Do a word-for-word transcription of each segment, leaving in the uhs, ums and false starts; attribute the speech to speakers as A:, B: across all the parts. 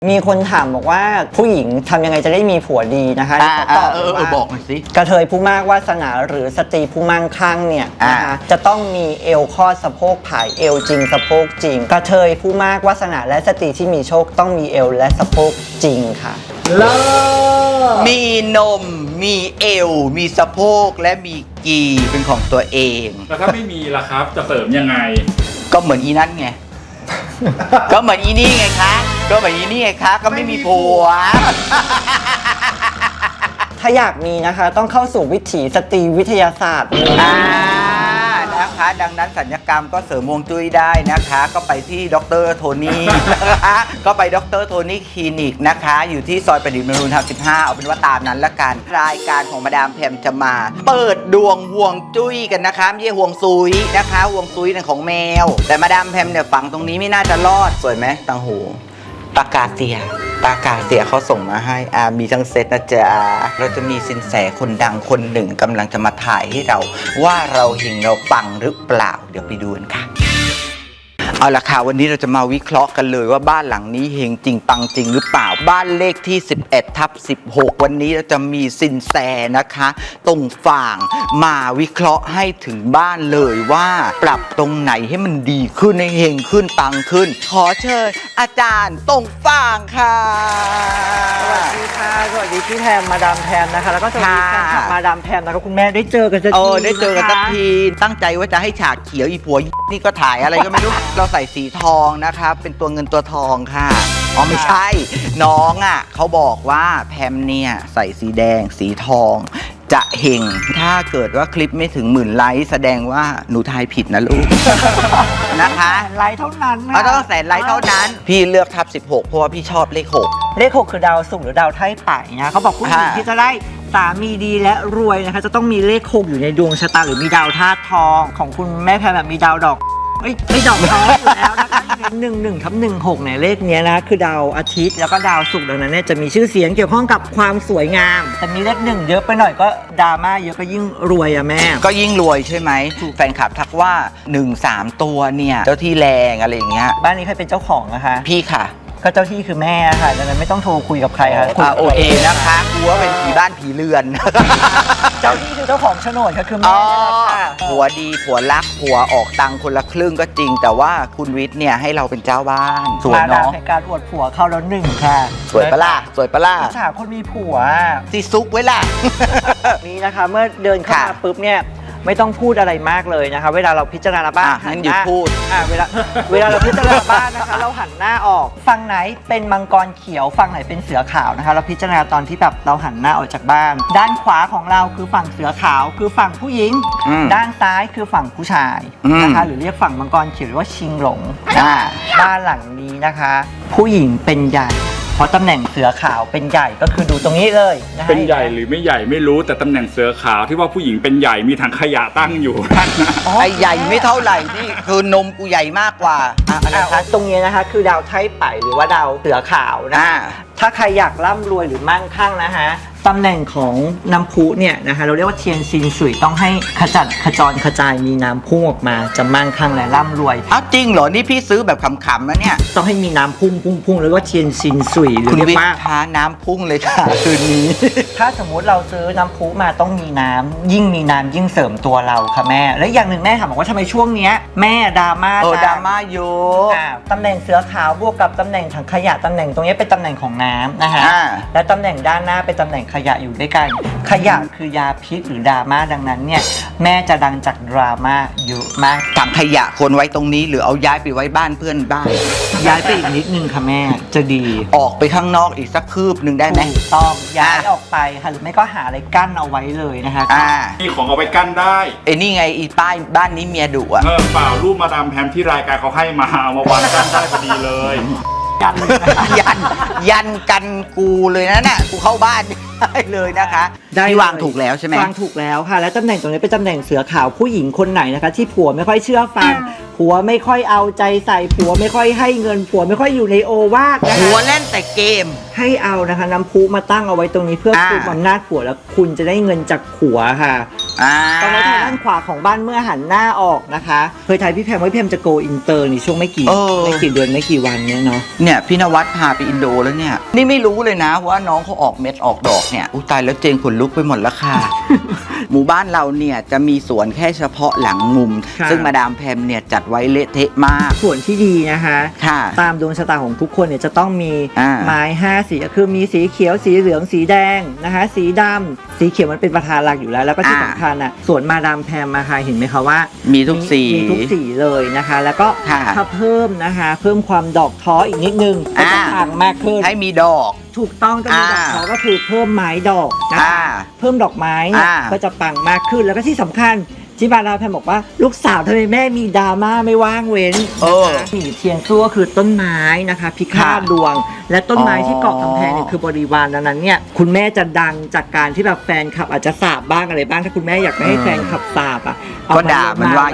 A: มีคนถามบอกว่าผู้หญิงทำยังไงจะได้มีผัวดีนะคะตอบว่าบอกหน่อยสิกระเทยผู้มากวาสนาหรือสตรีผู้มั่งคั่งเนี่ยนะคะจะต้องมีเอวข้อสะโพกผายเอวจริงสะโพกจริงกระเทยผู้มากวาสนาและสตรีที่มีโชคต้องมีเอวและสะโพกจริงค่ะเลิศ
B: มีนมมีเอวมีสะโพกและมีกีเป็นของตัวเอง
C: แล้วถ้าไม่มีล่ะครับจะเสริมยังไง
B: ก็เหมือนอีนั่นไงก็เหมือนอีนี่ไงคะก็เหมือนอีนี่ไงคะก็ไม่มีผัว
A: ถ้าอยากมีนะคะต้องเข้าสู่วิถีสตรีวิทยาศาสตร์
B: อ่านะคะดังนั้นสัญญกรรมก็เสริมฮวงจุ้ยได้นะคะก็ไปที่ดร.โทนี่นะคะก็ไปดร.โทนี่คลินิกนะคะอยู่ที่ซอยประดิษฐ์มนูนธรรมสิบห้าเอาเป็นว่าตามนั้นละกันรายการของมาดามแพมจะมาเปิดดวงฮวงจุ้ยกันนะคะไม่ใช่ฮวงซุยนะคะฮวงซุยเนี่ยของแมวแต่มาดามแพมเนี่ยฝังตรงนี้ไม่น่าจะรอดสวยไหมตังหูปากกาเสียปากกาเสียเขาส่งมาให้อามีทั้งเซตนะจ๊ะเราจะมีสินแสคนดังคนหนึ่งกำลังจะมาถ่ายให้เราว่าเราเฮงเราปังหรือเปล่าเดี๋ยวไปดูกันค่ะเอาละค่ะวันนี้เราจะมาวิเคราะห์กันเลยว่าบ้านหลังนี้เฮงจริงปังจริงหรือเปล่าบ้านเลขที่สิบเอ็ดทับสิบหกวันนี้เราจะมีสินแสนะคะตรงฝั่งมาวิเคราะห์ให้ถึงบ้านเลยว่าปรับตรงไหนให้มันดีขึ้นให้เฮงขึ้นปังขึ้นขอเชิญอาจารย์ตรงฝั่งค่ะ
A: สวัสดีค่ะสวัสดีพี่แพมมาดามแพมนะคะแล้วก็สวัสดีค่ะมาดามแพมนะคะคุณแม่ได้เจอกันสักที
B: เออได้เจอกันสักทีตั้งใจว่าจะให้ฉากเขียวอีผัวนี่ก็ถ่ายอะไรก็ไม่รู้เราใส่สีทองนะคะเป็นตัวเงินตัวทองค่ะอ๋อไม่ใช่น้องอ่ะเขาบอกว่าแพมเนี่ยใส่สีแดงสีทองจะเฮงถ้าเกิดว่าคลิปไม่ถึงหมื่นไลค์แสดงว่าหนูทายผิดนะลูกนะคะ
A: ไลค์เท่านั้น
B: เขาต้องแสนไลค์เท่านั้นพี่เลือกทับสิบหกเพราะว่าพี่ชอบเลขหก
A: เลขหกคือดาวศุกร์หรือดาวไถ่ไต่นะเขาบอกผู้หญิงที่จะได้สามีดีและรวยนะคะจะต้องมีเลขหกอยู่ในดวงชะตาหรือมีดาวธาตุทองของคุณแม่แพมแบบมีดาวดอกไม่ไม่ดอกทองอยู่แล้วนะคะหนึ่งหนึ่งทับหนึ่งหกเนี่ยเลขนี้นะคือดาวอาทิตย์แล้วก็ดาวศุกร์ดังนั้นเนี่ยจะมีชื่อเสียงเกี่ยวข้องกับความสวยงามแต่มีเลขหนึ่งเยอะไปหน่อยก็ดราม่าเยอะก็ยิ่งรวยอะแม่
B: ก็ยิ่งรวยใช่ไหมแฟนคลับทักว่าหนึ่ง สามตัวเนี่ยเจ้าที่แรงอะไรอย่างเงี้ย
A: บ้านนี้ใครเป็นเจ้าของนะคะ
B: พี่ค่ะ
A: ก็เจ้าที่คือแม่ค่ะดังนั้นไม่ต้องโทรคุยกับใครค่ะ
B: อ่าโอเคนะคะกลัวเป็นผีบ้านผีเรือน
A: เจ้าที่คือเจ้าของโฉนดก็คือแม่ค่ะ
B: ผัวดีผัวรักผัวออกตังคนละครึ่งก็จริงแต่ว่าคุณวิทย์เนี่ยให้เราเป็นเจ้าบ้าน
A: สวยเนาะในการอวดผัวเข้าแล้วหนึ่งค่ะ
B: สวยปะล่ะสวยปะล่ะ
A: อิจฉาคนมีผัว
B: สิซุกไว้ล่ะ
A: นี่นะคะเมื่อเดินเข้ามาปุ๊บเนี่ยไม่ต้องพูดอะไรมากเลยนะคะเวลาเราพิจารณาบ้าน
B: งั้นหยุดพูด
A: อ่าเวลาเวลาเราพิจารณาบ้านนะคะเราหันหน้าออกฝั่งไหนเป็นมังกรเขียวฝั่งไหนเป็นเสือขาวนะคะเราพิจารณาตอนที่แบบเราหันหน้าออกจากบ้านด้านขวาของเราคือฝั่งเสือขาวคือฝั่งผู้หญิงด้านซ้ายคือฝั่งผู้ชายนะคะหรือเรียกฝั่งมังกรเขียวหรือว่าชิงหลงบ้านหลังนี้นะคะผู้หญิงเป็นใหญ่เพราะตำแหน่งเสือขาวเป็นใหญ่ก็คือดูตรงนี้เลยนะ
C: เป็นใหญ่หรือไม่ใหญ่ไม่รู้แต่ตำแหน่งเสือขาวที่ว่าผู้หญิงเป็นใหญ่มีถังขยะตั้งอยู่
B: ไอ้ใหญ่ไม่เท่าไหร่นี่คือนมกูใหญ่มากกว่า
A: อะไรคะตรงนี้นะคะคือดาวไถ่ไต่หรือว่าดาวเสือขาวนะถ้าใครอยากร่ำรวยหรือมั่งคั่งนะคะตำแหน่งของน้ำพุเนี่ยนะคะเราเรียกว่าเทียนซินสุยต้องให้ขจัดขจรขจายมีน้ำพุ่งออกมาจะมั่งคั่งและร่ำรวย
B: อ้าวจริงเหรอนี่พี่ซื้อแบบขำๆนะเนี่ย
A: ต้องให้มีน้ำพุ่งพุ่งพุ่งแล้วก็เทียนซินสุยหรือ
B: เรียกว่าท้าน้ำพุ่งเลยค่ะคืนนี้
A: ถ้าสมมุติเราซื้อน้ำพุมาต้องมีน้ำยิ่งมีน้ำยิ่งเสริมตัวเราค่ะแม่และอย่างหนึ่งแม่ถามบอกว่าทำไมช่วงนี้แม่ดราม่า
B: เออดราม่าเยอะ
A: ตำแหน่งเสือขาวบวกกับตำแหน่งถังขยะตำแหน่งตรงนี้เป็นตำแหน่งของน้ำนะคะและตำแหน่งด้านหน้าเป็นตำแหน่งขยะอยู่ด้วยกันขยะคือยาพิษหรือดราม่าดังนั้นเนี่ยแม่จะดังจากดราม่าเยอะมาก
B: ถังขยะควรไว้ตรงนี้หรือเอาย้ายไปไว้บ้านเพื่อนบ้าน
A: ย้ายไปอีกนิดนึงค่ะแม่จะดี
B: ออกไปข้างนอกอีกสักคืบหนึ่งได้ไหม
A: ต้องย้ายออกไปค่ะหรือไม่ก็หาอะไรกั้นเอาไว้เลยนะคะ
B: อ่า
C: มีของเอาไปกั้นได้
B: ไอ้นี่ไงอีป้ายบ้านนี้เมียดุอ่ะ
C: เออเปล่ารูปมาดามแพมที่รายการเขาให้มาเอามาวางกั้นได้พอดีเลย
B: ยันยันยันกันกูเลยนะเนี่ยกูเข้าบ้านได้เลยนะคะที่วางถูกแล้วใช่ไหม
A: วางถูกแล้วค่ะและตำแหน่งตรงนี้เป็นตำแหน่งเสือขาวผู้หญิงคนไหนนะคะที่ผัวไม่ค่อยเชื่อฟังผัวไม่ค่อยเอาใจใส่ผัวไม่ค่อยให้เงินผัวไม่ค่อยอยู่ในโอวาทนะคะ
B: ผัวเล่นแต่เกม
A: ให้เอานะคะน้ำพุมาตั้งเอาไว้ตรงนี้เพื่อคุมอำนาจผัวแล้วคุณจะได้เงินจากผัวค่ะ
B: อ่า
A: ตอนนี้ทางด้านขวาของบ้านเมื่อหันหน้าออกนะคะเคยทายพี่แพมว่าพี่แพมจะโกอินเตอร์ในช่วงไม่กี่
B: เออ
A: ไม่กี่เดือนไม่กี่วันเนี้ยเนาะ
B: เนี่ยพี่นวัดพาไปอินโดแล้วเนี่ยนี่ไม่รู้เลยนะว่าน้องเขาออกเม็ดออกดอกเนี่ยอุ้ยตายแล้วเจงขนลุกไปหมดแล้วค่ะ หมู่บ้านเราเนี่ยจะมีสวนแค่เฉพาะหลังมุม
A: ค่ะ
B: ซึ่งมาดามแพมเนี่ยจัดไว้เละเทะมาก
A: ส่วนที่ดีนะคะ
B: ค่ะ
A: ตามดวงชะตาของทุกคนเนี่ยจะต้องมี
B: อ่า
A: ไม้ห้าสีคือมีสีเขียวสีเหลืองสีแดงนะคะสีดำสีเขียวมันเป็นประธานหลักอยู่แล้วแล้วก็ที่สำคัญอ่ะสวนมาดามแพมมาค่ะเห็นไหมคะว่า
B: มีทุกสี
A: มีทุกสีเลยนะคะ แล้วก็
B: ค่ะ
A: ถ้าเพิ่มนะคะ เพิ่มความดอกท้ออีกนิดนึงก็จะ
B: อ่า
A: ต่างมากขึ้น
B: ให้มีดอก
A: ถูกต้องต้องมีดอก
B: อ่า
A: ท้อก็คือเพิ่มไม้ดอกนะ
B: อ่า
A: คะเพิ่มดอกไม้เนี่ย
B: อ่า
A: ก็จะปังมากขึ้นแล้วก็ที่สำคัญที่บาราแพมบอกว่าลูกสาวทำไมแม่มีดราม่าไม่ว่างเว้น
B: เออ
A: นะคะหนีเทียนซั่วคือต้นไม้นะคะ พิฆาต
B: ค่ะ
A: ดวง และต้นไม้
B: อ๋อ
A: ที่เกาะกำแพงเนี่ยคือบริวารดังนั้นเนี่ยคุณแม่จะดังจากการที่แบบแฟนคลับอาจจะสาบบ้างอะไรบ้างถ้าคุณแม่อยากไม่ให้แฟนคลับสาบอ่ะเอ
B: ก็ด่ามันว่า
A: ไป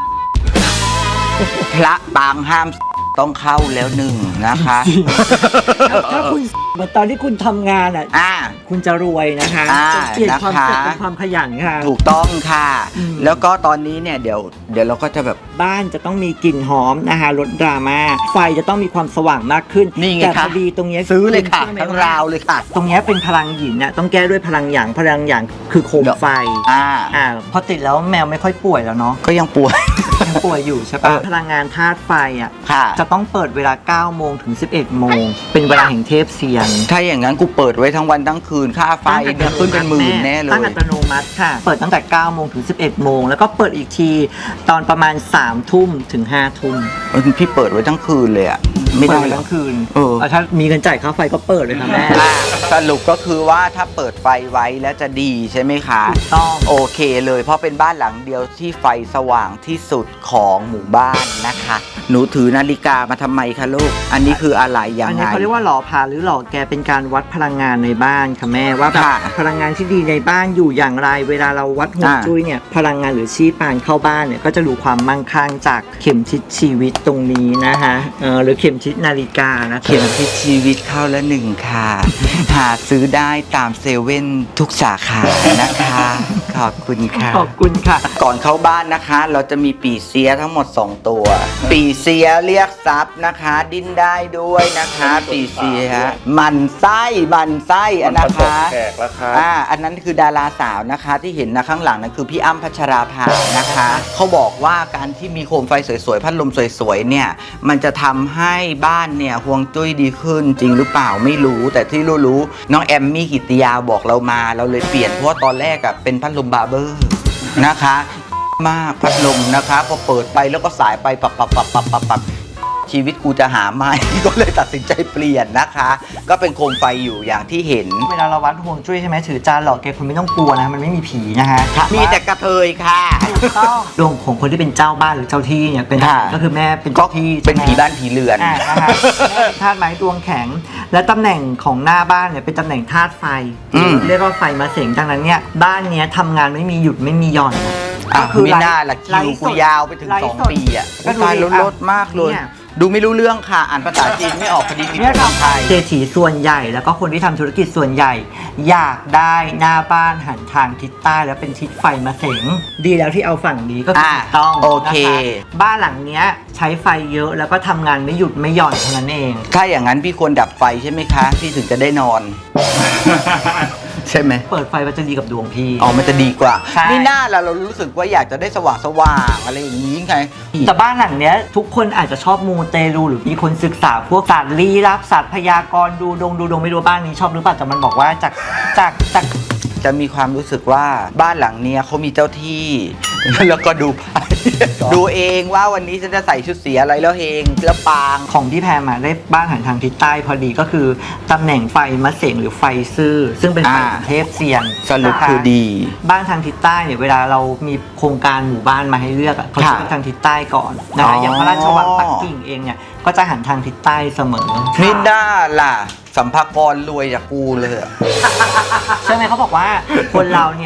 B: พระปางห้ามต้องเข้าแล้วหนึ่งนะคะ
A: ถ้าคุณเหมือนตอนที่คุณทำงานอ่ะ
B: อ่า
A: คุณจะรวยนะคะ
B: อ่า
A: จะเปลี่ยนความ
B: นะคะ
A: สุขเป็นความขยันค่ะ
B: ถูกต้องค่ะ
A: อืม
B: แล้วก็ตอนนี้เนี่ยเดี๋ยวเดี๋ยวเราก็จะแบบ
A: บ้านจะต้องมีกลิ่นหอมนะคะลดดราม่าไฟจะต้องมีความสว่างมากขึ้น
B: นี่ไง
A: แต่
B: คะ
A: พอดีตรงนี้
B: ซื้อเลยค่ะ
A: ณชื่อไหม
B: ทั้ง
A: ว่
B: ราวเลยค่ะ
A: ตรงนี้เป็นพลังหยินน่ะต้องแก้ด้วยพลังหยางพลังหยางคือโคมไฟ
B: อ่า
A: อ่าพอติดแล้วแมวไม่ค่อยป่วยแล้วเนาะ
B: ก็ยังป่วย
A: ยังป่วยอยู่ใช่
B: เอ
A: ปะ
B: อ
A: พลังงานธาตุไฟอ่ะ
B: ค่ะ
A: จะต้องเปิดเวลาเก้าโมงถึงสิบเอ็ดโมงเป็นเวลาแห่งเทพเซียน
B: ถ้าอย่างนั้นกูเปิดไว้ทั้งวันทั้งคืนค่าไฟเนี่ยขึ้นเป็นหมื่นแน่เลย
A: ตั้งอัตโนมัติค่ะ เปิดตั้งแต่เก้าโมงถึงสิบเอ็ดโมงแล้วก็เปิดอีกทีตอนประมาณสามทุ่มถึงห้าทุ่ม
B: เออพี่เปิดไว้ทั้งคืนเลยอ่ะไม่
A: เปิ
B: ได้
A: ด
B: หร
A: ทั้
B: อก
A: งคืน
B: เออ
A: ถ้ามีเงินจ่ายค่าไฟก็เปิดเลยค่ะแม่
B: อ่ะสรุปก็คือว่าถ้าเปิดไฟไว้แล้วจะดีใช่ไหมคะ
A: ถูกต้อง
B: โอเคเลยเพราะเป็นบ้านหลังเดียวที่ไฟสว่างที่สุดของหมู่บ้านนะคะ หนูถือนาฬิกามาทำไมคะลูก อันนี้คืออะไรยัง
A: อัน
B: ไง
A: นี้เขาเรียกว่าหล่อพาหรือหล่อแกเป็นการวัดพลังงานในบ้านค่ะแม่ว่าแบบ
B: ค่ะ
A: พลังงานที่ดีในบ้านอยู่อย่างไร เวลาเราวัดฮวง
B: อ่า
A: จุ้ยเนี่ยพลังงานหรือชีพปานเข้าบ้านเนี่ยก็จะดูความมั่งคั่งจากเข็มทิศชีวิตตรงนี้นะคะเออหรือเข็มทิศนาฬิกานะคะ
B: เข็มทิศชีวิตเข้าละหนึ่งค่ะ หาซื้อได้ตามเซเว่นทุกสาขานะคะ ขอบคุณค่ะ
A: ขอบคุณค่ะ
B: ก่อนเข้าบ้านนะคะ เราจะมีปีเสียทั้งหมด สอง ตัว ปีเสียเรียกทรัพย์นะคะ ดิ้นได้ด้วยนะคะ ปีเสียหมันไส้หมันไส้อะนะคะ
C: แขกแล้วครับ
B: อ่าอันนั้นคือดาราสาวนะคะที่เห็นนะข้างหลังนั่นคือพี่อ้ำพัชราภานะคะเขาบอกว่าการที่มีโคมไฟสวยๆพัดลมสวยๆเนี่ยมันจะทำให้บ้านเนี่ยฮวงจุ้ยดีขึ้นจริงหรือเปล่าไม่รู้แต่ที่รู้ๆน้องแอมมี่กิตติยาบอกเรามาเราเลยเปลี่ยนเพราะว่าตอนแรกอะเป็นพัดลมบาร์เบอร์นะคะมากพัดลมนะคะพอเปิดไปแล้วก็สายไปปับปับปับปับปับปับชีวิตกูจะหาไม่ ก็เลยตัดสินใจเปลี่ยนนะคะ ก็เป็นโคมไฟอยู่อย่างที่เห็น
A: เวลาเราวัดฮวงจุ้ยใช่ไหมถือจานหล่อแกคุณไม่ต้องกลัวนะมันไม่มีผีนะคะ
B: มีแต่กระเทยค่ะ
A: ถูกต้องดวงของคนที่เป็นเจ้าบ้านหรือเจ้าที่เนี่ยเป็น
B: ค่ะ
A: ก็คือแม่เป็น
B: ก็
A: เจ้าที่
B: เป็น
A: ใช่ไหม
B: ผีบ้านผีเรือน
A: อ่านะคะแม่เป็นธาตุไม้ดวงแข็ง และตำแหน่งของหน้าบ้านเนี่ยเป็นตำแหน่งธาตุไฟ
B: อืม
A: เรียกว่าไฟมาเสงดังนั้นเนี่ยบ้านเนี้ยทำงานไม่มีหยุดไม่มีหย่อน
B: อ่ะ
A: ก็คือ
B: ไม่น่าละ
A: ไล
B: คิว
A: ฟ์ส
B: กู
A: ด
B: ยาวไปถึง
A: ไลฟ์
B: สอง
A: สด
B: ปีอ่ะ
A: ก็ดู
B: ตาย
A: ดิ
B: ล้นรถมากเลย
A: เนี่ย
B: ดูไม่รู้เรื่องค่ะ อ่านภาษาจีนไม่ออกพอดีมี
A: เนี่ย
B: ภาษาไทย
A: เศรษฐีส่วนใหญ่แล้วก็คนที่ทำธุรกิจส่วนใหญ่ อยากได้หน้าบ้านหันทางทิศใต้แล้วเป็นทิศไฟมาเสงดีแล้วที่เอาฝั่งนี้ก็คือ
B: อ่า
A: ถูกต้อง
B: โอเค
A: นะคะบ้านหลังเนี้ยใช้ไฟเยอะแล้วก็ทำงานไม่หยุดไม่หย่อนเท่านั้นเอง
B: ถ้าอย่างนั้นพี่ควรดับไฟใช่ไหมคะ พี่ถึงจะได้นอน ใช่ไหม
A: เปิดไฟมันจะดีกับดวงพี่
B: อ๋อมันจะดีกว่า
A: ใช่
B: นี่หน้าเราเรารู้สึกว่าอยากจะได้สว่างสว่างๆอะไรอย่างนี้ไง
A: แต่บ้านหลังเนี้ยทุกคนอาจจะชอบมูเตลูหรือมีคนศึกษาพวกศาสตร์ลี้ลับศาสตร์พยากรณ์ดูดวงดูดวงไม่รู้บ้านนี้ชอบหรือเปล่าแต่มันบอกว่าจากจากจาก
B: จะมีความรู้สึกว่าบ้านหลังเนี้ยเขามีเจ้าที่ แล้วก็ดูไพ่ ดูเองว่าวันนี้ฉันจะใส่ชุดสีอะไรแล้วเฮงแล้วปาง
A: ของพี่แพรมาได้บ้านหันทางทิศใต้พอดีก็คือตำแหน่งไฟมะเสงหรือไฟซื่อซึ่งเป็นไฟ
B: อ่า
A: ของเทพเซียน
B: สรุป
A: นะะ
B: คือดี
A: บ้านทางทิศใต้เนี่ยเวลาเรามีโครงการหมู่บ้านมาให้เลือกอะเขาจะ
B: ค่ะ
A: เลือกทางทิศใต้ก่อนนะ
B: อ๋
A: คะ
B: อ
A: อย่างพระราชวังปักกิ่งเองเนี่ยก็จะหันทางทิศใต้เสมอ
B: นี่ด้าล่ะ สัมภากรรวยจากกูเลยอะ
A: ใช่ไหมเขาบอกว่าคนเราเนี่ย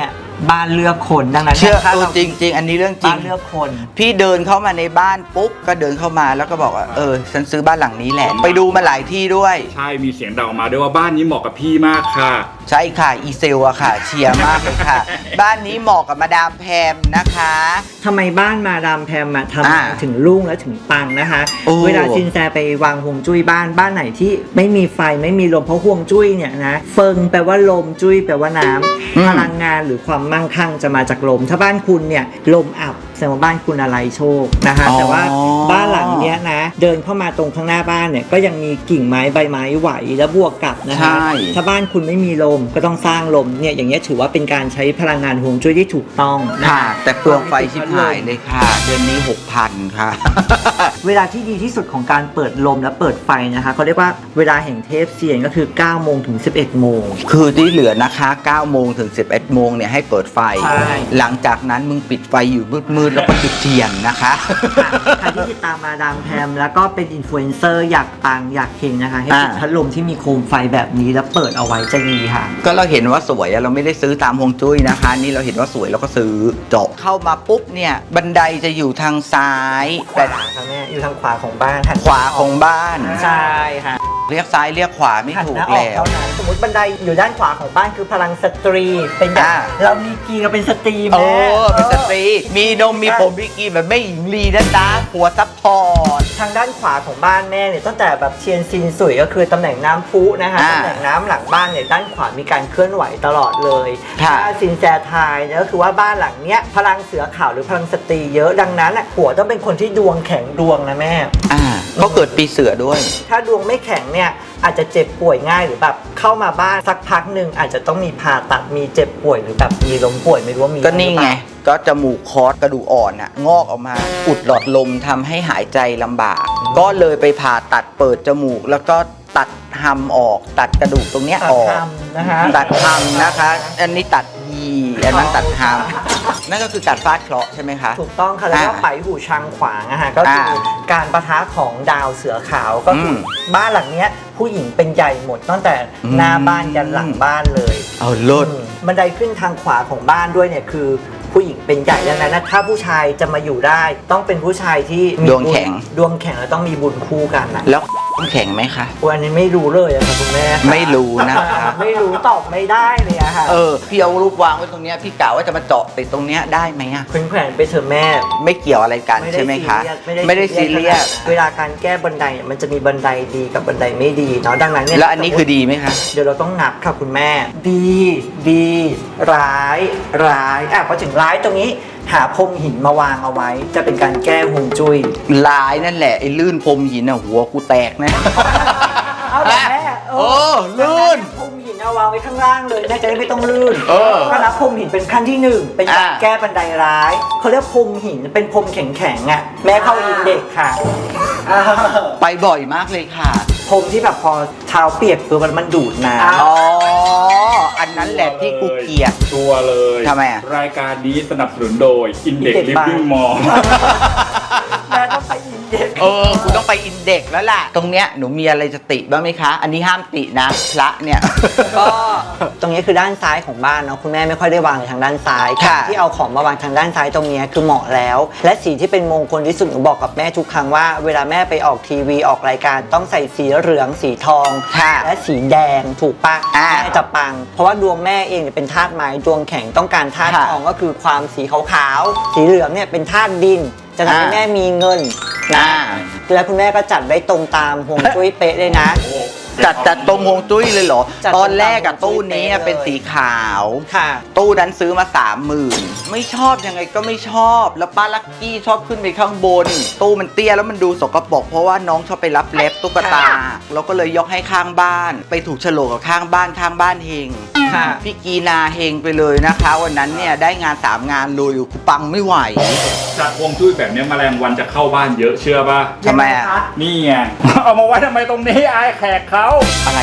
A: บ้านเลือกคนดังนั้น
B: เชื่อ
A: ถ้า
B: ตัว
A: เรา
B: จริง ๆ อันนี้เรื่องจริ
A: บ้าง นเลือกคน
B: พี่เดินเข้ามาในบ้านปุ๊บก็เดินเข้ามาแล้วก็บอกว่าเออฉันซื้อบ้านหลังนี้แหละ ไปดูมาหลายที่ด้วย
C: ใช่มีเสียงดังออกมาด้วยว่าบ้านนี้เหมาะกับพี่มากค่ะ
B: ใช่ค่ะอีเซลอะค่ะ เชียร์มากเลยค่ะ บ้านนี้เหมาะกับมาดามแพมนะคะ
A: ทำไมบ้านมาดามแพมอะทำ
B: อ่า
A: ถึงรุ่งและถึงปังนะคะ
B: โอ้
A: เวลาซินแซไปวางฮวงจุ้ยบ้านบ้านไหนที่ไม่มีไฟไม่มีลมเพราะฮวงจุ้ยเนี่ยนะเฟิงแปลว่าลมจุ้ยแปลว่าน้ำพลังงานหรือความมั่งคั่งจะมาจากลม ถ้าบ้านคุณเนี่ยลมอับแสดงว่าบ้านคุณอะไรโชคนะคะแต่ว่าบ้านหลังเนี้ยนะเดินเข้ามาตรงข้างหน้าบ้านเนี่ยก็ยังมีกิ่งไม้ใบไม้ไหวแล้วบวกกับนะคะ
B: ใช่
A: ถ้าบ้านคุณไม่มีลมก็ต้องสร้างลมเนี่ยอย่างเงี้ยถือว่าเป็นการใช้พลังงานฮวงจุ้ยที่ถูกต้องนะ
B: ค่ะ
A: คะ
B: แต่เปลืองไฟชิบหายเลยค่ะ เดือนนี้หกพันค่ะ
A: เวลาที่ดีที่สุดของการเปิดลมและเปิดไฟนะคะเขาเรียกว่าเวลาแห่งเทพเซียนก็คือเก้าโมงถึงสิบเอ็ดโมง
B: คือที่เหลือนะคะเก้าโมงถึงสิบเอ็ดโมงเนี่ยให้เปิดไฟ
A: ใช่
B: หลังจากนั้นมึงปิดไฟอยู่มืดๆแล้วก็จุดเทียนนะคะ
A: ใครที่ติดตามมาดามแพมแล้วก็เป็นอินฟลูเอนเซอร์อยากปังอยากเฮงนะคะ ให้ติด
B: อ่า
A: พัดลมที่มีโคมไฟแบบนี้แล้วเปิดเอาไว้จะดีค่ะ
B: ก็เราเห็นว่าสวยอะเราไม่ได้ซื้อตามฮวงจุ้ยนะคะ นี่เราเห็นว่าสวยเราก็ซื้อจบเข้ามาปุ๊บเนี่ยบันไดจะอยู่ทางซ้าย
A: แต่
B: แต่
A: ค่ะแม่อยู่ทางขวาของบ้านหัน
B: ขวาของบ้าน
A: ใช่ค่ะ
B: เรียกซ้ายเรียกขวาไม่
A: หัน
B: ถู
A: ห
B: ก
A: น้าออก
B: แล้ว
A: เท่านั้นสมมติบันไดอยู่ด้านขวาของบ้านคือพลังสตรีเป็นแบบ
B: อ่า
A: เรามีกีเราเป็นสตรี
B: โอ้
A: แม่
B: เป็นสตรี มีนมมีผมมีกีแบบไม่หญิงลีนะจ๊ะหัวซัพพอร์ต
A: ทางด้านขวาของบ้านแม่เนี่ยตั้งแต่แบบเชียนซินสุยก็คือตำแหน่งน้ำพุนะคะ
B: อ่า
A: ตำแหน่งน้ำหลังบ้านเนี่ยด้านขวามีการเคลื่อนไหวตลอดเลย
B: ค่ะ
A: ถ้าซินแจทายเนี่ยก็คือว่าบ้านหลังเนี้ยพลังเสือขาวหรือพลังสตรีเยอะดังนั้นอ่ะผัวต้องเป็นคนที่ดวงแข็งดวงนะแม่
B: อ่าก็เกิดปีเสือด้วย
A: ถ้าดวงไม่แข็งเนี่ยอาจจะเจ็บป่วยง่ายหรือแบบเข้ามาบ้านสักพักหนึ่งอาจจะต้องมีผ่าตัดมีเจ็บป่วยหรือแบบมีล้มป่วยไม่รู้ว่ามี
B: ก็นี่ไง
A: หรือเปล่า
B: ก็จมูกคอสกระดูกอ่อนอะงอกออกมา อุดหลอดลมทำให้หายใจลำบาก ก็เลยไปผ่าตัดเปิดจมูก แล้วก็ตัดหำออก ตัดกระดูกตรงเนี้ย
A: ตัด
B: ออก
A: ทำนะคะ
B: ตัดหำนะคะ อันนี้ตัดยีอันนั้นตัดหำนั่นก็คือการฟาดเคราะห์ใช่ไหมคะ
A: ถูกต้องค่ะแล้วก็
B: อ่า
A: ไปหูชังขวางอะฮะก็คืออา การปะทะของดาวเสือขาวก็คืออ
B: ม
A: บ้านหลังเนี้ยผู้หญิงเป็นใหญ่หมดตั้งแต่
B: อืม
A: หน้าบ้านยันหลังบ้านเลย
B: เอาเลิศ
A: อืมบันไดขึ้นทางขวาของบ้านด้วยเนี่ยคือผู้หญิงเป็นใหญ่ดังนั้นนะถ้าผู้ชายจะมาอยู่ได้ ต้องเป็นผู้ชายที่มี
B: ดวงแข็ง
A: บุญดวงแข็งแล้วต้องมีบุญคู่กันนะ
B: แล้วต้องแข็งไหมคะ
A: วันนี้ไม่รู้เลยอะค่ะคุณแม่ค่ะ
B: ไม่รู้นะคะ
A: ไม่รู้ตอบไม่ได้เลยอะค่ะ
B: เออ พี่เอารูปวางไว้ตรงเนี้ยพี่กะว่าจะมาเจาะติดตรงเนี้ยได้ไหมอะ
A: แขวนๆไปเถอะแม่
B: ไม่เกี่ยวอะไรกันใช่ไหมคะ ไม่ได้ซีเรียส
A: เวลาการแก้บันไดเนี่ยมันจะมีบันไดดีกับบันไดไม่ดีเนาะดังนั้นเนี่ย
B: แล้วอันนี้คือดีไหมคะ
A: เดี๋ยวเราต้องนับค่ะคุณแม่ ดีดีร้ายร้ายอ่ะพอถึงร้ายตรงนี้หาพรมหินมาวางเอาไว้ จะเป็นการแก้ฮวงจุ้ย
B: ลายนั่นแหละไอ้ลื่นพรมหินอ่ะหัวกูแตกนะ
A: เอาแต่แม่
B: โอ้ลื่น
A: พรมหินเอาวางไว้ข้างล่างเลยแม่จะได้ไม่ต้องลื่น
B: เออ
A: ก็นับพรมหินเป็นขั้นที่หนึ่งเป็นการ
B: อ่า
A: แก้บันไดร้ายเขาเรียกพรมหินเป็นพรมแข็งๆอ่ะแม่เข้าอินเด็กซ์ค่ะ
B: ไปบ่อยมากเลยค่ะ
A: พรมที่แบบพอเท้าเปียกคือมันมันดูดน้ำ
B: อ๋อ อันนั้นแหละที่กูเกลียด
C: ชัวร์เลย
B: ทำไมอะ
C: รายการนี้สนับสนุนโดย Index
A: Index
C: Living
A: Bar
C: Mall
A: แม่ต้องไปอินเด็กซ์
B: เออ กูต้องไปอินเด็กซ์แล้วล่ะ ตรงเนี้ยหนูมีอะไรจะติบ้างไหมคะ อันนี้ห้ามตินะ พระเนี่ย
A: ก็ตรงนี้คือด้านซ้ายของบ้านเนาะคุณแม่ไม่ค่อยได้วางในทางด้านซ้าย
B: ค่ะ
A: ที่เอาของมาวางทางด้านซ้ายตรงนี้คือเหมาะแล้ว และสีที่เป็นมงคลที่สุดหนูบอกกับแม่ทุกครั้งว่าเวลาแม่ไปออกทีวีออกรายการต้องใส่สีเหลืองสีทอง
B: ค่ะ
A: และสีแดงถูกปะ
B: อ่า
A: แม่จะปัง เพราะว่าดวงแม่เองเนี่ยเป็นธาตุไม้ดวงแข็งต้องการธาตุ
B: ค่ะ
A: ทองก็คือความสีขาวๆสีเหลืองเนี่ยเป็นธาตุดิน จะทำให้
B: อ่า
A: แม่มีเงินนะ
B: อ่า
A: แล้วคุณแม่ก็จัดได้ตรงตามฮวงจุ้ยเป๊ะเลยนะ
B: จัดจัดตรงฮวงจุ้ยเลยเหรอ
A: จัด
B: ตอนแรกอะ
A: ตรงฮวงจุ้ย
B: ตู้นี้อะ
A: เป๊ะเลย
B: เป็นสีขาว
A: ค่ะ
B: ตู้นั้นซื้อมาสามหมื่นไม่ชอบยังไงก็ไม่ชอบ แล้วป้าลักกี้ชอบขึ้นไปข้างบน ตู้มันเตี้ยแล้วมันดูสกปรกเพราะว่าน้องชอบไปรับเล็บตุ๊กตาเราก็เลยยกให้ข้างบ้าน ไปถูกโฉลกกับข้างบ้านข้างบ้านเฮง
A: ค่ะ
B: พี่กีนาเฮงไปเลยนะคะ วันนั้นเนี่ยได้งานสามงานเลยกูปังไม่ไหว
C: จากฮวงจุ้ยแบบเนี้ยแมลงวันจะเข้าบ้านเยอะเชื่อป่ะ
B: ทำไมอะ
C: นี่ไง เอามาไว้ทำไมตรงนี้อายแขกเขา
B: อะไรอะ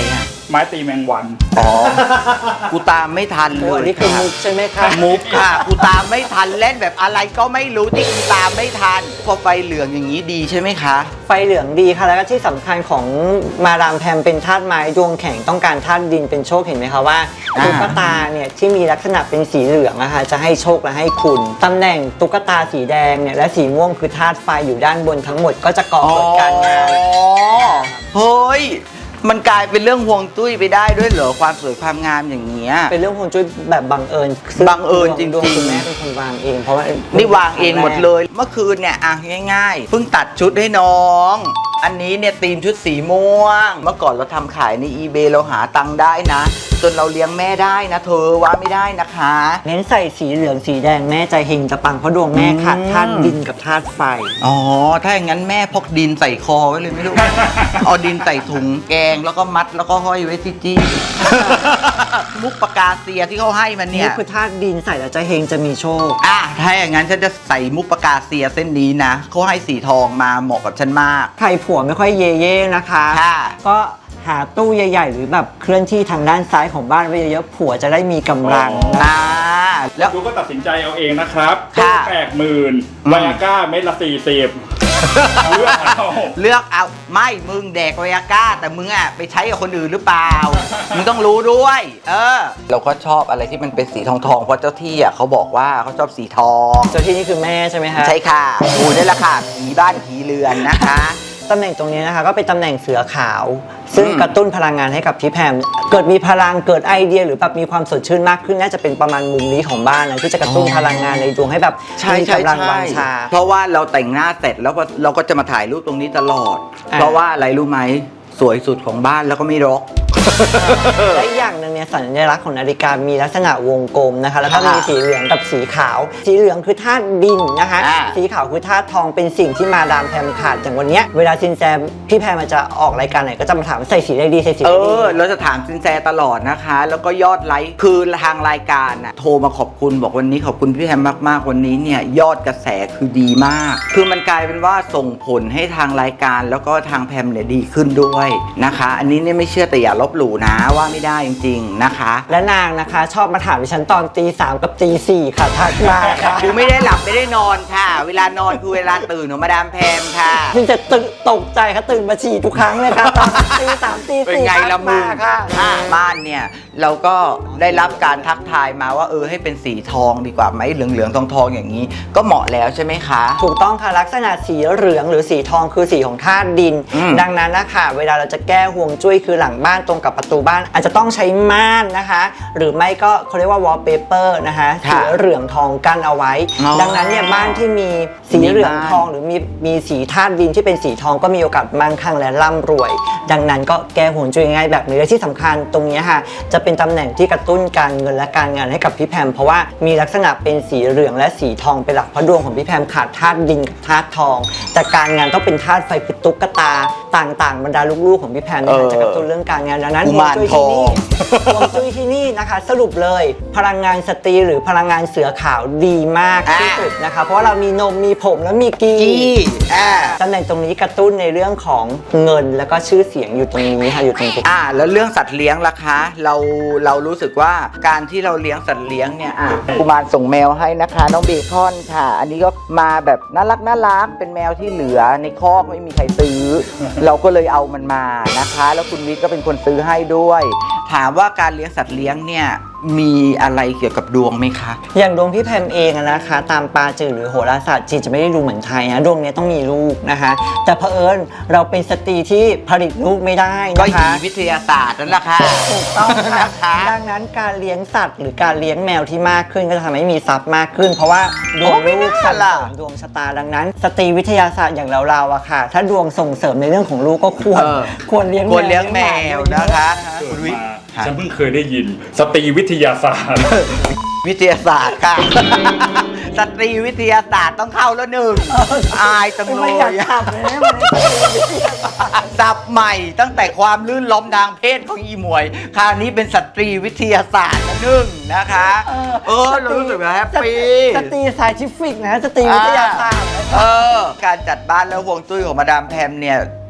C: ไม้ตีแมงวัน
B: อ๋อ กูตามไม่ทันเล
A: โอ้
B: ย
A: อันนี้คือมุกใช่ไหมคะ
B: มุกค่ะ กูตามไม่ทันเล่นแบบอะไรก็ไม่รู้ที่กูตามไม่ทัน พอไฟเหลืองอย่างนี้ดีใช่ไหมคะ
A: ไฟเหลืองดีค่ะแล้วก็ที่สำคัญของมาดามแพมเป็นธาตุไม้ดวงแข็งต้องการธาตุดินเป็นโชคเห็นไหมคะว่า
B: อ่า
A: ตุ๊กตาเนี่ยที่มีลักษณะเป็นสีเหลืองนะคะจะให้โชคและให้คุณตำแหน่งตุ๊กตาสีแดงเนี่ยและสีม่วงคือธาตุไฟอยู่ด้านบนทั้งหมดก็จะก่อเกิดการงาน
B: อ๋อเฮ้ย มันกลายเป็นเรื่องห่วงจุ้ยไปได้ด้วยเหรอความสวยความงามอย่างเงี้ย
A: เป็นเรื่องฮวงจุ้ยแบบบังเอิญ
B: บังเอิญจริงๆ
A: ดวคุณแม่เป็นคนวางเองเพราะว่า
B: นี่วางเองหมดเลย เมื่อคืนเนี่ยอ่ะง่ายๆ เพิ่งตัดชุดให้น้อง อันนี้เนี่ยธีมชุดสีม่วง เมื่อก่อนเราทำขายใน eBay เราหาตังค์ได้นะ จนเราเลี้ยงแม่ได้นะเธอว่าไม่ได้นะคะ
A: เน้นใส่สีเหลืองสีแดงแม่ใจเฮงจะปังเพราะดวงแม่ขาดธาตุดินกับธาตุไฟ
B: อ๋อ ถ้าอย่างนั้นแม่พกดินใส่คอไว้เลยไม่รู้ เอาดินใส่ถุงแกงแล้วก็มัดแล้วก็ห้อยไว้ที่จี้ มุกปากกาเซียที่เขาให้มันเนี่
A: นี่
B: ย
A: คือธาตุดินใส่แล้วจะเฮงจะมีโชค
B: อ่ะถ้าอย่างนั้นฉันจะใส่มุกปากกาเซียเส้นนี้นะเขาให้สีทองมาเหมาะกับฉันมาก
A: ใครผัวไม่ค่อยเย่เย่นะคะ
B: ค่ะ
A: ก็หาตู้ใหญ่ ๆ หรือแบบเคลื่อนที่ทางด้านซ้ายของบ้านไว้เยอะๆผัวจะได้มีกำลัง
C: อ๋อ
A: นะ
B: อ่าแล้ว
C: ดูก็ตัดสินใจเอาเองนะครับ
B: ค่ะ
C: แปดหมื่น
B: อืม
C: ไวอาก้าเม็ดละสี่สิบเลือกเอา
B: เลือกเอาไม่มึงแดกไวอาก้า แต่มึงอ่ะไปใช้กับคนอื่นหรือเปล่า มึงต้องรู้ด้วย เออ เราก็ชอบอะไรที่มันเป็นสีทองทองๆเพราะเจ้าที่อ่ะเขาบอกว่าเขาชอบสีทอง
A: เจ้าที่นี่คือแม่ใช่ไหมคะ
B: ใช่ค่ะกูนี่แหละค่ะผีบ้านผีเรือนนะคะ
A: ตำแหน่งตรงนี้นะคะก็เป็นตำแหน่งเสือขาว ซึ่ง
B: อืม
A: กระตุ้นพลังงานให้กับพี่แพมเกิดมีพลังเกิดไอเดียหรือแบบมีความสดชื่นมากขึ้นน่าจะเป็นประมาณมุมนี้ของบ้านนะที่จะกระตุ้นพลังงานในดวงให้แบบ
B: ใช่
A: มี
B: ใช่
A: กำลัง
B: ใช่
A: วังชา
B: เพราะว่าเราแต่งหน้าเสร็จแล้วก็เราก็จะมาถ่ายรูปตรงนี้ตลอด
A: อ่า
B: เพราะว่าอะไรรู้ไหมสวยสุดของบ้านแล้วก็ไม่รก
A: และอีกอย่างหนึ่งเนี่ยสัญลักษณ์ของนาฬิกามีลักษณะวงกลมนะคะแล้วก็
B: ค่ะ
A: มีสีเหลืองกับสีขาว สีเหลืองคือธาตุดินนะคะ
B: อ่า
A: สีขาวคือธาตุทองเป็นสิ่งที่มาดามแพมขาดอย่างวันเนี้ยเวลาซินแซมพี่แพมมันจะออกรายการไหนก็จะมาถามใส่สีอะไรดีใส่สี
B: เอ
A: อะไรดี
B: อ เราจะถามซินแซตลอดนะคะ แล้วก็ยอดไลค์คือทางรายการน่ะโทรมาขอบคุณบอกวันนี้ขอบคุณพี่แฮมมากๆวันนี้เนี่ยยอดกระแสคือดีมาก คือมันกลายเป็นว่าส่งผลให้ทางรายการแล้วก็ทางแพมเนี่ยดีขึ้นด้วยนะคะ อันนี้เนี่ยไม่เชื่อแต่อย่าลบหลู่นะว่าไม่ได้จริงๆนะคะ
A: และนางนะคะชอบมาถามดิฉันตอนตีสามกับตีสี่ค่ะทักมาค่ะ
B: กูไม่ได้หลับไม่ได้นอนค่ะ เวลานอนคือเวลาตื่นของมาดามแพมค่ะ
A: ซึ่งจะตึกตกใจค่ะตื่นมาฉี่ทุกครั้งเลยค่ะตอนตีสามตี
B: เป็น
A: สี่
B: ไงละมึง
A: ทักาค่ะ
B: อ่าบ้านเนี่ยเราก็ได้รับการทักทายมาว่าเออให้เป็นสีทองดีกว่าไหมเหลืองๆทองๆอย่างนี้ ก็เหมาะแล้วใช่ไหมคะ
A: ถูกต้องค่ะลักษณะสีเหลืองหรือสีทองคือสีของธาตุดิน
B: อืม
A: ดังนั้นนะคะเวลาเราจะแก้ห่วงจุ้ยคือหลังบ้านตรงกับประตูบ้าน อาจจะต้องใช้ม่านนะคะ หรือไม่ก็เขาเรียกว่าวอลเปเปอร์นะคะ
B: ค่ะ
A: สีเหลืองทองกั้นเอาไว้
B: อ๋อ
A: ดังนั้นเนี่ยบ้านที่มีสีเหลืองทองหรือมีมีสีธาตุดินที่เป็นสีทองก็มีโอกาสมั่งคั่งและร่ำรวย ดังนั้นก็แก้ห่วงจุ้ยง่ายแบบนี้และที่สำคัญตรงนี้ค่ะจะเป็นตำแหน่งที่กระตุ้นการเงินและการงานให้กับพี่แพมเพราะว่ามีลักษณะเป็นสีเหลืองและสีทองเป็นหลักเพราะดวงของพี่แพมขาดธาตุดินกับธาตุทอง แต่การงานต้องเป็นธาตุไฟคือตุ๊กตาต่างๆ บรรดาลูกๆของพี่แพมเนี่ย
B: เออ
A: จะกระตุ้นเรื่องการงานดังนั้น
B: กุ
A: ห่วง
B: มาร
A: จุ้ย
B: ท
A: ที่
B: อง
A: นี่ห่วงจุ้ยที่นี่นะคะ สรุปเลยพลังงานสตรีหรือพลังงานเสือขาวดีมากที่สุดนะคะเพราะว่าเรามีนมมีผมและมีกี
B: กี้อ่า
A: ตำแหน่งตรงนี้กระตุ้นในเรื่องของเงินแล้วก็ชื่อเสียงอยู่ตรงนี้ค่ะอยู่ตรงนี้
B: อ่าแล้วเรื่องสัตว์เลี้ยงล่ะคะ เราเรารู้สึกว่าการที่เราเลี้ยงสัตว์เลี้ยงเนี่ยอ่ะกุมารส่งแมวให้นะคะน้องเบคอนค่ะ อันนี้ก็มาแบบน่ารักน่ารักเป็นแมวที่เหลือในคอกไม่มีใครซื้อ เราก็เลยเอามันมานะคะ แล้วคุณวิทย์ก็เป็นคนซื้อให้ด้วย ถามว่าการเลี้ยงสัตว์เลี้ยงเนี่ยมีอะไรเกี่ยวกับดวงไหมคะ
A: อย่างดวงพี่แพมเองอะนะคะ ตามปาจือหรือโหราศาสตร์จีนจะไม่ได้ดูเหมือนไทยนะดวงเนี้ยต้องมีลูกนะคะ แต่เผอิญเราเป็นสตรีที่ผลิตลูกไม่ได้
B: ก็
A: นะ
B: หี
A: คะ
B: วิทยาศาสตร์นั่นแหละค่ะ
A: ถูกต้องค่ะ
B: นะคะ
A: ดังนั้นการเลี้ยงสัตว์หรือการเลี้ยงแมวที่มากขึ้นก็จะทำให้มีทรัพย์มากขึ้น เพราะว่าดวงลูกส่งเสริมดวงชะตาดังนั้น สตรีวิทยาศาสตร์อย่างเราๆอะค่ะ ถ้าดวงส่งเสริมในเรื่องของลูกก็ควร
B: เออ
A: ควรเลี้ยง
B: ควรเลี้ยงแมวนะคะ
C: เกิ
B: คุ
C: ด
B: ณวิทย์
C: มา
B: ค่ะ
C: ฉันเพิ่งเคยได้ยิน สตรีวิทยาศาสตร์
B: วิทยาศาสตร์ค่ะ สตรีวิทยาศาสตร์ต้องเข้าแล้วหนึ่งอายจังเล
A: ไม่
B: ย
A: อยากทำเลยนะมันเป็นสตรีวิทยาศาสตร์
B: สับใหม่ตั้งแต่ความลื่นล้มทางเพศของอีหมวย คราวนี้เป็นสตรีวิทยาศาสตร์ละหนึ่งนะคะ เออเรารู้สึกว่าแฮปปี้
A: สตรีไซทิฟิกนะสตรีวิทยาศาสตร์
B: เออ การจัดบ้านแล้วฮวงจุ้ยของมาดามแพมเนี่ย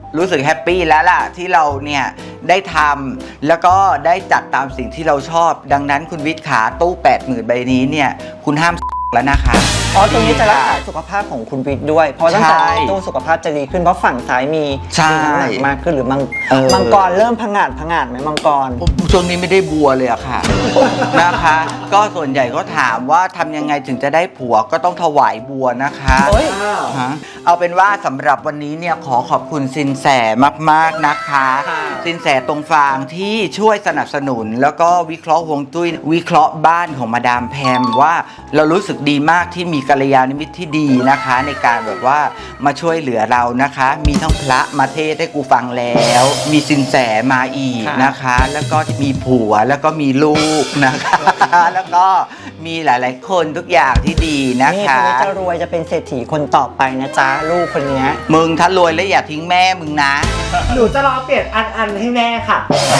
B: รู้สึกแฮปปี้แล้วล่ะที่เราเนี่ยได้ทำแล้วก็ได้จัดตามสิ่งที่เราชอบ ดังนั้นคุณวิทย์ขาตู้ แปดหมื่น ใบนี้เนี่ยคุณห้ามแล้วนะคะ
A: อ๋อตรงนี้จะรักษาสุขภาพของคุณวิทย์ด้วย เพราะตั้งแต่
B: ใช่
A: ตู้สุขภาพจะดีขึ้นเพราะฝั่งซ้ายมี
B: ใช่
A: มีน้ำหนักมากขึ้นหรือมัง
B: เออ
A: มังกรเริ่มผงาดผงาดไหมมังกร
B: ช่วงนี้ไม่ได้บัวเลยอะค่ะ นะคะ ก็ส่วนใหญ่ก็ถามว่าทำยังไงถึงจะได้ผัวก็ต้องถวายบัวนะคะ
A: เฮ้ย
B: ฮะเอาเป็นว่าสำหรับวันนี้เนี่ยขอขอบคุณสินแสมากๆนะคะ
A: ค่ะ
B: สินแสตรงฟางที่ช่วยสนับสนุน แล้วก็วิเคราะห์ฮวงจุ้ยวิเคราะห์บ้านของมาดามแพมว่าเรารู้สึกดีมากที่มีกัลยาณมิตรที่ดีนะคะ ในการแบบว่ามาช่วยเหลือเรานะคะ มีทั้งพระมาเทศน์ให้กูฟังแล้ว มีสินแสมาอีกนะคะ แล้วก็มีผัวแล้วก็มีลูกนะคะ แล้วก็มีหลายๆคนทุกอย่างที่ดีนะ
A: นี่
B: คะ
A: คนนี้จะรวยจะเป็นเศรษฐีคนต่อไปนะจ๊ะลูกคนเนี้ย
B: มึงถ้ารวยแล้วอย่าทิ้งแม่มึงนะ
D: หนูจะรอเปลี่ยนอันอันให้แม่ค่ะ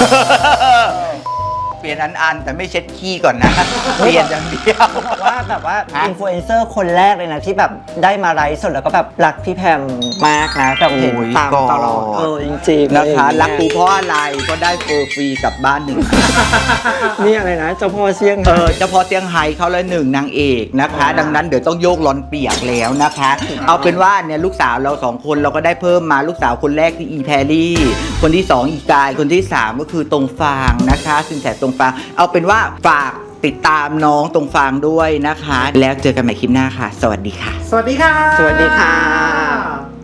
B: เปลี่ยนอันอันๆแต่ไม่เช็ดขี้ก่อนนะ เปลี่ยนอย่างเดียว
A: บอกว่าแบบว่า
B: ฮะ
A: อินฟลูเอนเซอร์คนแรกเลยนะที่แบบได้มาไลฟ์สดแล้วก็แบบรักพี่แพมมากนะแบบเห็น
B: โอ้ย
A: ตามตลอด
B: กอด
A: เออจริงๆ
B: นะคะ
A: อไอย่างเงี้ย
B: รักกูเพราะอะไรก็ได้เฟอร์ฟรีกลับบ้านหนึ่ง
A: นี่อะไรนะเจ้าพ่อเชียง
B: เออเฉพาะเซี่ยงไฮ้เขาเลยหนึ่งนางเอกนะคะ ดังนั้นเดี๋ยวต้องโยกร้อนเปียกแล้วนะคะ เอาเป็นว่าเนี่ยลูกสาวเราสองคนเราก็ได้เพิ่มมาลูกสาวคนแรกที่อีแพรรี่ คนที่สองอีกายคนที่สามก็คือตรงฟางนะคะสินแสตรงฟางเอาเป็นว่าฝากติดตามน้องตรงฟางด้วยนะคะ แล้วเจอกันใหม่คลิปหน้าค่ะ สวัสดีค่ะ
D: สวัสดีค่ะ
A: สวัสดีค่ะ